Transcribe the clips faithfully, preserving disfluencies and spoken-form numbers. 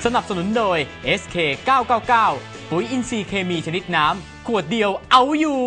นับสนุนโดย เอส เค เก้า เก้า เก้า ปุ๋ยอินทรีย์เคมีชนิดน้ำขวดเดียวเอาอยู่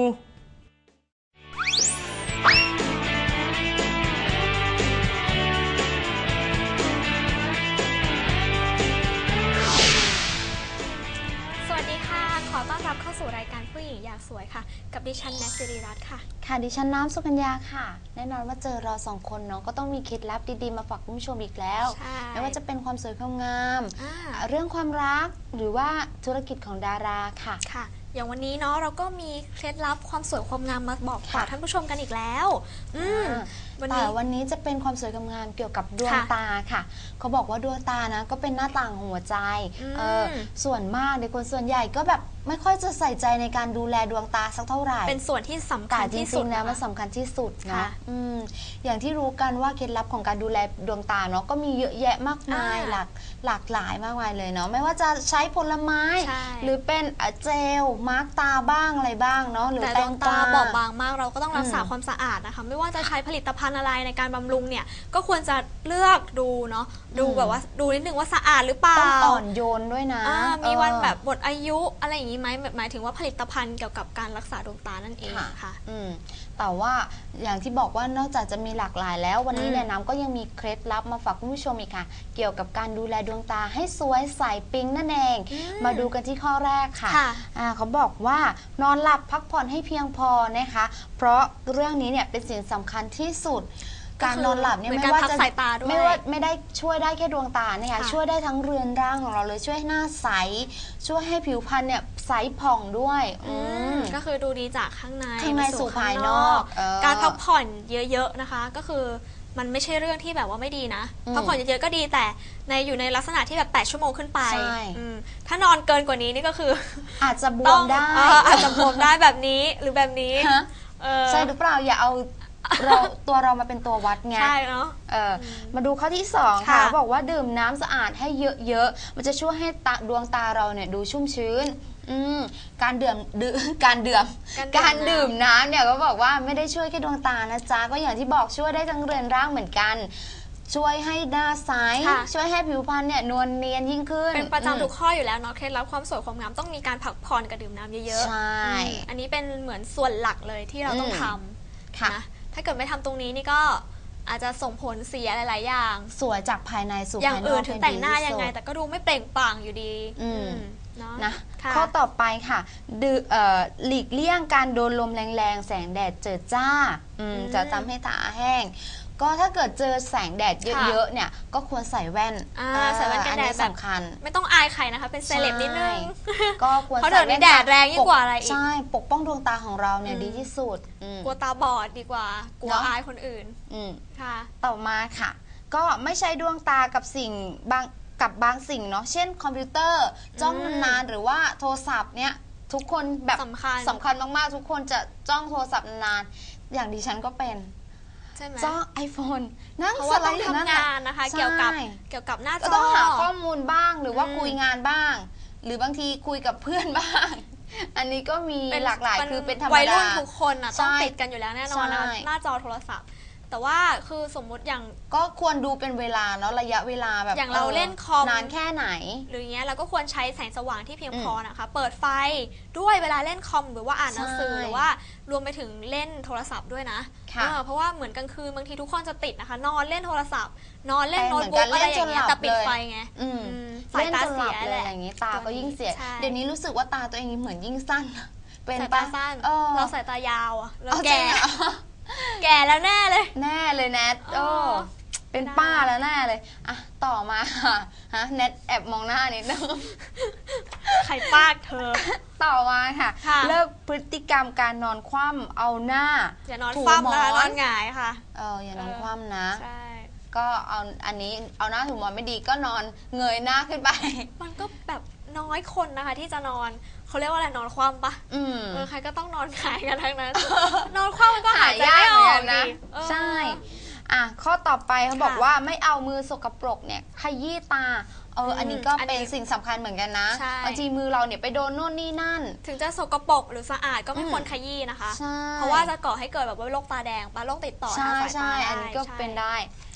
ขอต้อนรับเข้าสู่รายการผู้หญิงอยากสวยค่ะกับดิฉันแนท สิริรัตน์ค่ะค่ะดิฉันน้ำสุกัญญาค่ะแน่นอนว่าเจอเราสองคนเนาะก็ต้องมีเคล็ดลับดีๆมาฝากคุณผู้ชมอีกแล้วไม่ว่าจะเป็นความสวยความงามเรื่องความรักหรือว่าธุรกิจของดาราค่ะค่ะอย่างวันนี้เนาะเราก็มีเคล็ดลับความสวยความงามมาบอกฝากท่านผู้ชมกันอีกแล้วอืมแต่วันนี้จะเป็นความสวยความงามเกี่ยวกับดวงตาค่ะเขาบอกว่าดวงตานะก็เป็นหน้าต่างของหัวใจเออส่วนมากในคนส่วนใหญ่ก็แบบไม่ค่อยจะใส่ใจในการดูแลดวงตาสักเท่าไหร่เป็นส่วนที่สำคัญที่สุดจริงๆแล้วมันสำคัญที่สุดนะอืมอย่างที่รู้กันว่าเคล็ดลับของการดูแลดวงตาเนาะก็มีเยอะแยะมากมายหลากหลากหลายมากมายเลยเนาะไม่ว่าจะใช้ผลไม้หรือเป็นเจลมาร์กตาบ้างอะไรบ้างเนาะหรือแต่ดวงตาบอบบางมากเราก็ต้องรักษาความสะอาดนะคะไม่ว่าจะใช้ผลิตภัณฑ์อะไรในการบำรุงเนี่ยก็ควรจะเลือกดูเนาะดูแบบว่าดูนิดนึงว่าสะอาดหรือเปล่าต้องอ่อนโยนด้วยนะมีวันแบบหมดอายุอะไรอย่างนี้ไหมหมายถึงว่าผลิตภัณฑ์เกี่ยวกับการรักษาดวงตานั่นเองค่ะแต่ว่าอย่างที่บอกว่านอกจากจะมีหลากหลายแล้ววันนี้เนี่ยน้ำก็ยังมีเคล็ดลับมาฝากคุณผู้ชมอีกค่ะเกี่ยวกับการดูแลดวงตาให้สวยใสปิ๊งนั่นเองมาดูกันที่ข้อแรกค่ะเขาบอกว่านอนหลับพักผ่อนให้เพียงพอนะคะเพราะเรื่องนี้เนี่ยเป็นสิ่งสำคัญที่สุดการนอนหลับเนี่ยไม่ว่าจะไม่ว่าไม่ได้ช่วยได้แค่ดวงตานะคะช่วยได้ทั้งเรือนร่างของเราเลยช่วยให้หน้าใสช่วยให้ผิวพรรณเนี่ยใสผ่องด้วยก็คือดูดีจากข้างในข้างในสู่ภายนอกการพักผ่อนเยอะๆนะคะก็คือมันไม่ใช่เรื่องที่แบบว่าไม่ดีนะพักผ่อนเยอะๆก็ดีแต่ในอยู่ในลักษณะที่แบบแปดชั่วโมงขึ้นไปถ้านอนเกินกว่านี้นี่ก็คืออาจจะบวมได้อาจจะบวมได้แบบนี้หรือแบบนี้ใช่หรือเปล่าอย่าเอาเราตัวเรามาเป็นตัววัดไงใช่เนาะมาดูข้อที่สองค่ะบอกว่าดื่มน้ำสะอาดให้เยอะๆมันจะช่วยให้ตาดวงตาเราเนี่ยดูชุ่มชื้นการดื่มการดื่มการดื่มน้ำเนี่ยก็บอกว่าไม่ได้ช่วยแค่ดวงตานะจ๊ะก็อย่างที่บอกช่วยได้ทั้งเรือนร่างเหมือนกันช่วยให้หน้าใสช่วยให้ผิวพรรณเนี่ยนวลเนียนยิ่งขึ้นเป็นประจำทุกข้ออยู่แล้วเนาะเคล็ดลับความสวยความงามต้องมีการพักผ่อนกับดื่มน้ำเยอะๆใช่อันนี้เป็นเหมือนส่วนหลักเลยที่เราต้องทำนะถ้าเกิดไม่ทำตรงนี้นี่ก็อาจจะส่งผลเสียหลายๆอย่างสวยจากภายในสู่อย่างภายนอกอื่นถึงแต่งหน้ายังไงแต่ก็ดูไม่เปล่งปลั่งอยู่ดีนะข้อต่อไปค่ะหลีกเลี่ยงการโดนลมแรงๆแสงแดดเจิดจ้าจะทำให้ตาแห้งก็ถ้าเกิดเจอแสงแดดเยอะๆเนี่ยก็ควรใส่แว่นใส่แว่นกันแดดสำคัญไม่ต้องอายใครนะคะเป็นเซเลบนิดนึงก็ควรใส่แว่นแดดแรงยิ่งกว่าอะไรอีกใช่ปกป้องดวงตาของเราเนี่ยดีที่สุดกลัวตาบอดดีกว่ากลัวอายคนอื่นค่ะต่อมาค่ะก็ไม่ใช้ดวงตากับสิ่งบางกับบางสิ่งเนาะเช่นคอมพิวเตอร์จ้องนานๆหรือว่าโทรศัพท์เนี่ยทุกคนแบบสำคัญสำคัญมากๆทุกคนจะจ้องโทรศัพท์นานๆอย่างดิฉันก็เป็นจ้องไอโฟนนั่งสไลด์ทำงานนะคะเกี่ยวกับเกี่ยวกับหน้าจอต้องหาข้อมูลบ้างหรือว่าคุยงานบ้างหรือบางทีคุยกับเพื่อนบ้างอันนี้ก็มีหลากหลายคือเป็นธรรมดาวัยรุ่นทุกคนอ่ะต้องติดกันอยู่แล้วแน่นอนนะหน้าจอโทรศัพท์แต่ว่าคือสมมุติอย่างก็ควรดูเป็นเวลาเนาะระยะเวลาแบบอย่างเราเล่นคอมนานแค่ไหนหรือเงี้ยเราก็ควรใช้แสงสว่างที่เพียงพอนะคะเปิดไฟด้วยเวลาเล่นคอมหรือว่าอ่านหนังสือหรือว่ารวมไปถึงเล่นโทรศัพท์ด้วยนะเพราะว่าเหมือนกลางคืนบางทีทุกคนจะติดนะคะนอนเล่นโทรศัพท์นอนเล่นโน้ตบุ๊กอะไรอย่างเงี้ยแต่ปิดไฟไงสายตาเสียอะไรอย่างงี้ตาก็ยิ่งเสียเดี๋ยวนี้รู้สึกว่าตาตัวเองเหมือนยิ่งสั้นเป็นตาสั้นเราสายตายาวอ่ะแล้วแก่แก่แล้วแน่เลยแน่เลยแนทโอ้เป็นป้าแล้วแน่เลยอ่ะต่อมาค่ะฮะแนทแอบมองหน้านิดนึงใครป้าเธอต่อมาค่ะเลิกพฤติกรรมการนอนคว่ำเอาหน้าอย่านอนคว่ำนะนอนหงายค่ะเอออย่านอนคว่ำนะใช่ก็เอาอันนี้เอาหน้าถูหมอนไม่ดีก็นอนเงยหน้าขึ้นไปมันก็แบบน้อยคนนะคะที่จะนอนเขาเรียกว่าอะไรนอนคว่ำปะเออใครก็ต้องนอนหงายกันทั้งนั้นนอนคว่ำมันก็หายใจไม่ออกนะใช่อ่ะข้อต่อไปเขาบอกว่าไม่เอามือสกปรกเนี่ยขยี้ตาเอออันนี้ก็เป็นสิ่งสำคัญเหมือนกันนะบางทีมือเราเนี่ยไปโดนโน่นนี่นั่นถึงจะสกปรกหรือสะอาดก็ไม่ควรขยี้นะคะเพราะว่าจะก่อให้เกิดแบบว่าโรคตาแดงปะโรคติดต่อทางสายตาใช่อันนี้ก็เป็นได้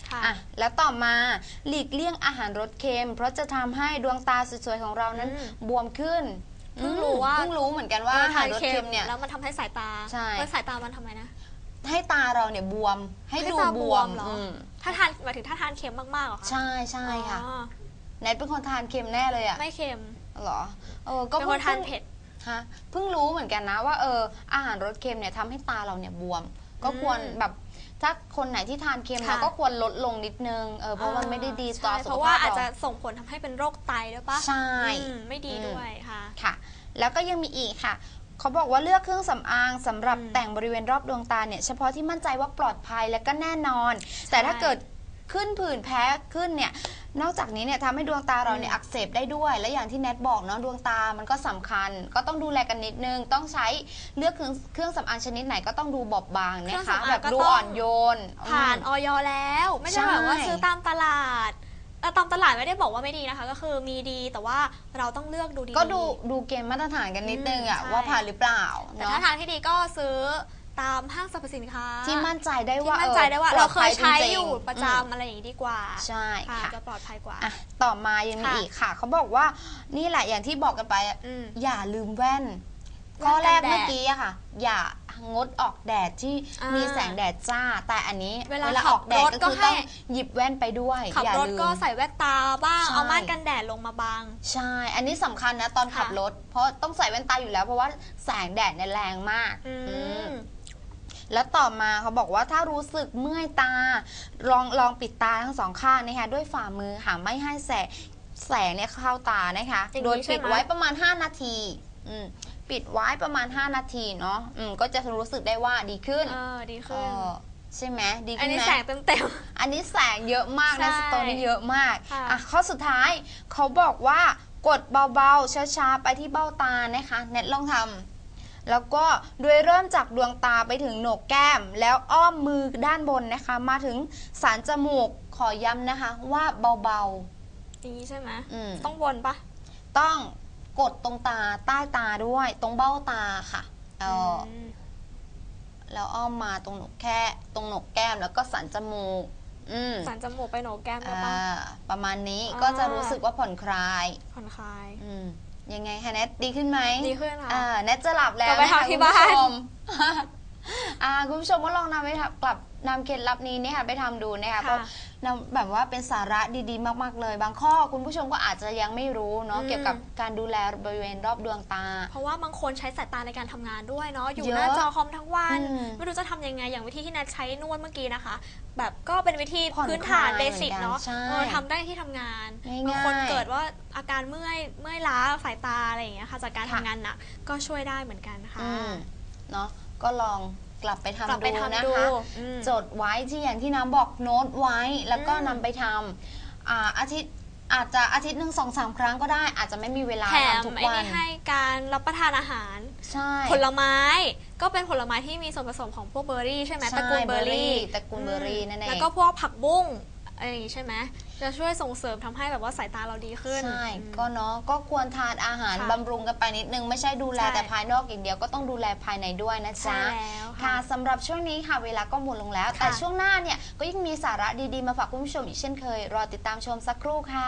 ค่ะอ่ะแล้วต่อมาหลีกเลี่ยงอาหารรสเค็ม เพราะจะทำให้ดวงตาสวยๆของเรานั้นอืมบวมขึ้นเพิ่งรู้ว่าเพิ่งรู้เหมือนกันว่าอาหารรสเค็มเนี่ยแล้วมันทำให้สายตาใช่แล้วสายตามันทำไมนะให้ตาเราเนี่ยบวมให้ให้ดูตาบบ ววมมเหรออืมถ้าทานหมายถึงถ้าทานเค็มมากๆเหรอคะใช่ใช่ค่ะอ๋อแนทเป็นคนทานเค็มแน่เลยอะไม่เค็มเหรอเออก็เป็นคนทานเผ็ดฮะเพิ่งรู้เหมือนกันนะว่าเอออาหารรสเค็มเนี่ยทำให้ตาเราเนี่ยบวม ก็ควรอืมแบบถ้าคนไหนที่ทานเค็มค่ะนะก็ควรลดลงนิดนึงเออเพราะมันไม่ได้ดีต่อใช่สุเพขราะภาว่าพอาจจะเราส่งผลทำให้เป็นโรคไตด้วยปะใช่อืมไม่ดีด้วยค่ะค่ะ แล้วก็ยังมีอีกค่ะ เขาบอกว่าเลือกเครื่องสำอางสำหรับอืมแต่งบริเวณรอบดวงตาเนี่ยเฉพาะที่มั่นใจว่าปลอดภัยและก็แน่นอน แต่ถ้าเกิดขึ้นผื่นแพ้ขึ้นเนี่ยนอกจากนี้เนี่ยทำให้ดวงตาเราเนี่ยอืมอักเสบได้ด้วย และอย่างที่แนทบอกเนาะดวงตามันก็สำคัญ ก็ต้องดูแลกันนิดนึง ต้องใช้เลือกเครื่องเครื่องสำอางชนิดไหนก็ต้องดูบอบบางนะคะแบบดูอ่อนโยนผ่านอืมออยแล้ว ไม่ใช่ใช่แบบว่าซื้อตามตลาดแต่ตามตลาดไม่ได้บอกว่าไม่ดีนะคะ ก็คือมีดีแต่ว่าเราต้องเลือกดูดีๆก็ดูดูเกณฑ์มาตรฐานกันนิดนึงอะอืมใช่ว่าผ่านหรือเปล่าแต่เนาะถ้าทางที่ดีก็ซื้อตามห้างสรรพสินค้าที่มั่นใจได้ที่ว่ามั่นใจได้ว่าออเราเคยปลใช้ดภัจริงๆอยู่ประอืมจำอะไรอย่างนี้ดีกว่าใช่ค่ะค่ะจะปลอดภัยกว่าอ่ะต่อมายังมีค่ะอีกค่ะ เขาบอกว่านี่แหละอย่างที่บอกกันไปอะอืมอย่าลืมแว่นแว่นข้อแรกกันแดดเมื่อกี้อะค่ะ อย่างดออกแดดที่อ่ามีมีแสงแดดจ้า แต่อันนี้เวลาขัอบ อกแดดรถก็ก็คือให้ต้องหยิบแว่นไปด้วยขับอย่ารถลืมก็ใส่แว่นตาบ้างใช่เอาม่านกันแดดลงมาบังใช่ อันนี้สำคัญนะตอนขับค่ะรถ เพราะต้องใส่แว่นตาอยู่แล้ว เพราะว่าแสงแดดเนี่ยแรงมากอือืมม แล้วต่อมาเขาบอกว่าถ้ารู้สึกเมื่อยตา ลองลองปิดตาทั้งสองข้างนะคะด้วยฝ่ามือค่ะไม่ให้แสงแสงเนี่ยเข้าตานะคะอย่างนี้โดยใช่ปิดไหมไว้ประมาณ ห้า นาทีอืมปิดไว้ประมาณ ห้า นาทีเนาะอืมก็จะรู้สึกได้ว่าดีขึ้นเออดีเอขึ้นอใช่ไหมดีอันขึ้นนี้ไหมแสงเต็มอันนี้แสงเยอะมากนะใช่สตอรี่เยอะมากค่ะอ่ะข้อสุดท้ายเขาบอกว่ากดเบาๆช้าๆไปที่เบ้าตานะคะเน็ตลองทำแล้วก็โดยเริ่มจากดวงตาไปถึงโหนกแก้ม แล้วอ้อมมือด้านบนนะคะ มาถึงสันจมูกขอย้ำนะคะว่าเบาๆอย่างนี้ใช่ไหมๆอืมต้องวนปะต้องกดตรงตาใต้ตาด้วย ตรงเบ้าตาค่ะเอออมแล้วอ้อมมาตรงโหนกแค่ตรงโหนกแก้มแล้วก็สันจมูกอืมสันจมูกไปโหนกแก้มได้อ่าปะประมาณนี้อ่าก็จะรู้สึกว่าผ่อนคลายผ่อนคลายอืมยังไงคะแนทดีขึ้นไหมดีขึ้นค่ะอ่าแนทจะหลับแล้วกลับไปนะคะทำที่คุณผู้บ้านชม อ่าคุณผู้ชมก็ลองนำไปทำกลับนำเคล็ดลับนี้เนี่ยค่ะไปทำดูนะคะก็ค่ะนำแบบว่าเป็นสาระดีๆ มากๆเลย บางข้อคุณผู้ชมก็อาจจะยังไม่รู้เนาะอืมเกี่ยวกับการดูแลบริเวณรอบดวงตาเพราะว่าบางคนใช้สายตาในการทำงานด้วยเนาะอยู่เยอะหน้าจอคอมทั้งวันอืมไม่รู้จะทำยังไงอย่างวิธีที่นัดใช้นวดเมื่อกี้นะคะ แบบก็เป็นวิธีผ่อนพื้นฐานคลายเบสิกเหมือนกันเนาะใช่เออทำได้ที่ทำงานง่ายๆบางคนเกิดว่าอาการเมื่อยเมื่อยล้าสายตาอะไรอย่างเงี้ยค่ะจากการค่ะทำงานหนักก็ช่วยได้เหมือนกันค่ะอืมเนาะก็ลองกลับไปทำกลับไปดูทำนะดูคะอืมจดไว้ที่อย่างที่น้ำบอกโน้ตไว้แล้วก็อืมนำไปทำอ่าอาทิตย์อาจจะอาทิตย์หนึ่งสองสามครั้งก็ได้ อาจจะไม่มีเวลาแถมทำทุกไอ้วันนี่ให้การรับประทานอาหารใช่ผลไม้ก็เป็นผลไม้ที่มีส่วนผสมของพวกเบอร์รี่ใช่ไหมใช่ตระกูลเบอร์รี่ตระกูลเบอร์รี่นั่นเองแล้วก็พวกผักบุ้งอะไรอย่างงี้ใช่ไหมจะช่วยส่งเสริมทำให้แบบว่าสายตาเราดีขึ้นใช่อืมก็เนาะก็ควรทานอาหารค่ะบำรุงกันไปนิดนึง ไม่ใช่ดูแลใช่แต่ภายนอกอย่างเดียวก็ต้องดูแลภายในด้วยนะใช่จ๊ะแล้วค่ะค่ะสำหรับช่วงนี้ค่ะเวลาก็หมดลงแล้วค่ะแต่ช่วงหน้าเนี่ยก็ยังมีสาระดีๆมาฝากคุณผู้ชมอีกเช่นเคย รอติดตามชมสักครู่ค่ะ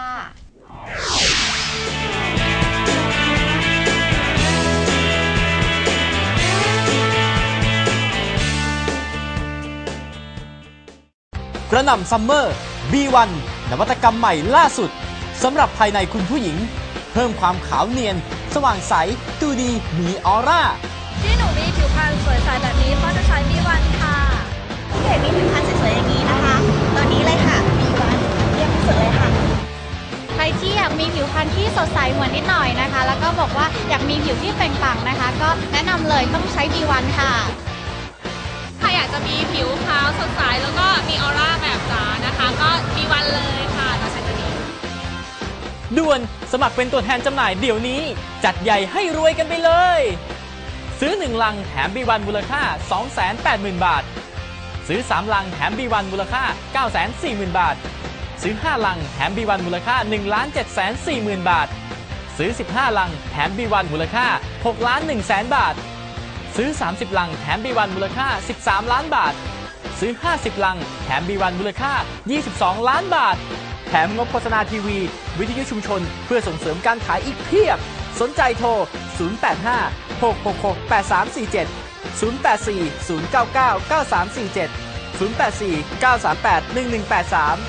กระหน่ำซัมเมอร์ บี วัน นวัตกรรมใหม่ล่าสุดสำหรับภายในคุณผู้หญิง เพิ่มความขาวเนียน สว่างใส ดูดี มีออร่าที่หนูมีผิวพรรณสวยใสแบบนี้เพราะจะใช้ บี วัน ค่ะที่เห็นมีผิวพรรณสวยๆอย่างนี้นะคะตอนนี้เลยค่ะ บี วัน เยี่ยมที่สุดเลยค่ะใครที่อยากมีผิวพรรณที่สดใสเหมือนนิดหน่อยนะคะ แล้วก็บอกว่าอยากมีผิวที่เปล่งปลั่งนะคะ ก็แนะนำเลยต้องใช้ บี วัน ค่ะถ้าอยากจะมีผิวขาวสดใสแล้วก็มีออร่าแบบจ๋านะคะ ก็ บี วัน เลยค่ะเราใช้ตัวนี้ด่วนสมัครเป็นตัวแทนจำหน่ายเดี๋ยวนี้ จัดใหญ่ให้รวยกันไปเลย ซื้อหนึ่งลังแถม บี วัน มูลค่า สองแสนแปดหมื่น บาท ซื้อสามลังแถม บี วัน มูลค่า เก้าแสนสี่หมื่น บาท ซื้อห้าลังแถม บี วัน มูลค่า หนึ่งล้านเจ็ดแสนสี่หมื่น บาท ซื้อสิบห้าลังแถม บี วัน มูลค่า หกล้านหนึ่งแสน บาท ซื้อสามสิบลังแถม บี วัน มูลค่า สิบสามล้านบาทซื้อ ห้าสิบ ลัง แถม บี วัน มูลค่า ยี่สิบสอง ล้านบาท แถมงบโฆษณาทีวี วิทยุชุมชน เพื่อส่งเสริมการขายอีกเพียบ สนใจโทร ศูนย์ แปด ห้า หก หก หก แปด สาม สี่ เจ็ด ศูนย์ แปด สี่ ศูนย์ เก้า เก้า เก้า สาม สี่ เจ็ด ศูนย์ แปด สี่ เก้า สาม แปด หนึ่ง หนึ่ง แปด สาม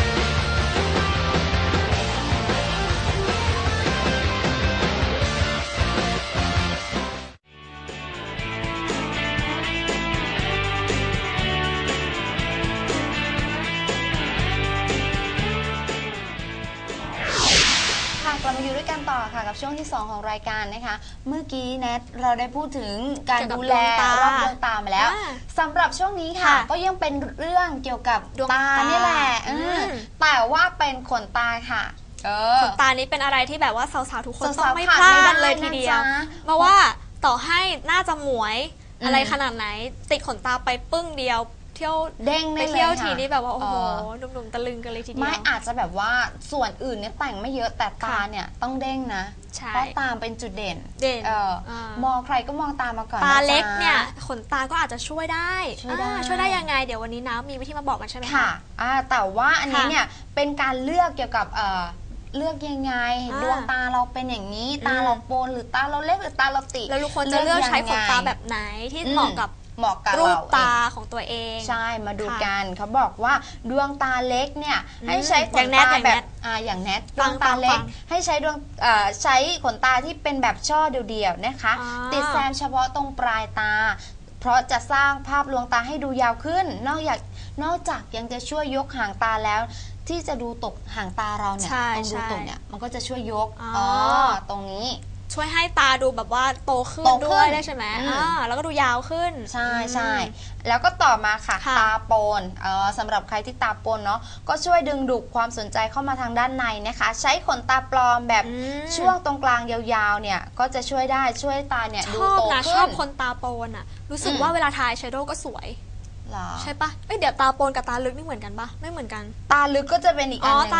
กลับมาอยู่ด้วยกันต่อค่ะกับช่วงที่สองของรายการนะคะ เมื่อกี้แนทเราได้พูดถึงการดูแลรอบดวงตามาแล้วสำหรับช่วงนี้ค่ะก็ยังเป็นเรื่องเกี่ยวกับตานี่แหละแต่ว่าเป็นขนตาค่ะขนตานี้เป็นอะไรที่แบบว่าสาวๆทุกคนต้องไม่พลาดเลยทีเดียวเพราะว่าต่อให้น่าจะหมวยอะไรขนาดไหนติดขนตาไปปึ้งเดียวเที่ยวเด้งไปเที่ยวทีนี้แบบว่าโอ้โหหนุ่มๆตะลึงกันเลยทีเดียวไม่อาจจะแบบว่าส่วนอื่นเนี่ยแต่งไม่เยอะแต่ตาเนี่ยต้องเด้งนะเพราะตาเป็นจุดเด่นเด่นมองใครก็มองตามาก่อนตาเล็กเนี่ยขนตาก็อาจจะช่วยได้ช่วยได้ช่วยได้ยังไงเดี๋ยววันนี้นะมีวิธีมาบอกกันใช่ไหมคะค่ะแต่ว่าอันนี้เนี่ยเป็นการเลือกเกี่ยวกับเลือกยังไงดวงตาเราเป็นอย่างนี้ตาเราโปนหรือตาเราเล็กหรือตาเราติแล้วทุกคนจะเลือกใช้ขนตาแบบไหนที่เหมาะกับเหมาะกับรูปตาของตัวเองใช่มาดูกันเขาบอกว่าดวงตาเล็กเนี่ยให้ใช้ขนตาแบบอ่าอย่างแนทดวงตาเล็กให้ใช้ดวงใช้ขนตาที่เป็นแบบช่อเดียวๆนะคะติดแซมเฉพาะตรงปลายตาเพราะจะสร้างภาพดวงตาให้ดูยาวขึ้นนอกจากนอกจากยังจะช่วยยกหางตาแล้วที่จะดูตกหางตาเราเนี่ยตรงดูตกเนี่ยมันก็จะช่วยยกอ๋อตรงนี้ช่วยให้ตาดูแบบว่าโตขึ้นด้วยได้ใช่ไหมอ่าแล้วก็ดูยาวขึ้นใช่ใช่แล้วก็ต่อมาค่ะตาโปนเออสำหรับใครที่ตาโปนเนาะก็ช่วยดึงดูดความสนใจเข้ามาทางด้านในนะคะใช้ขนตาปลอมแบบช่วงตรงกลางยาวๆเนี่ยก็จะช่วยได้ช่วยตาเนี่ยดูโตขึ้นชอบคนตาโปนอ่ะรู้สึกว่าเวลาทาอายแชโดว์ก็สวยใช่ปะเอ้ยเดี๋ยวตาโปนกับตาลึกนี่เหมือนกันปะไม่เหมือนกันตาลึกก็จะเป็นอีกอันนึง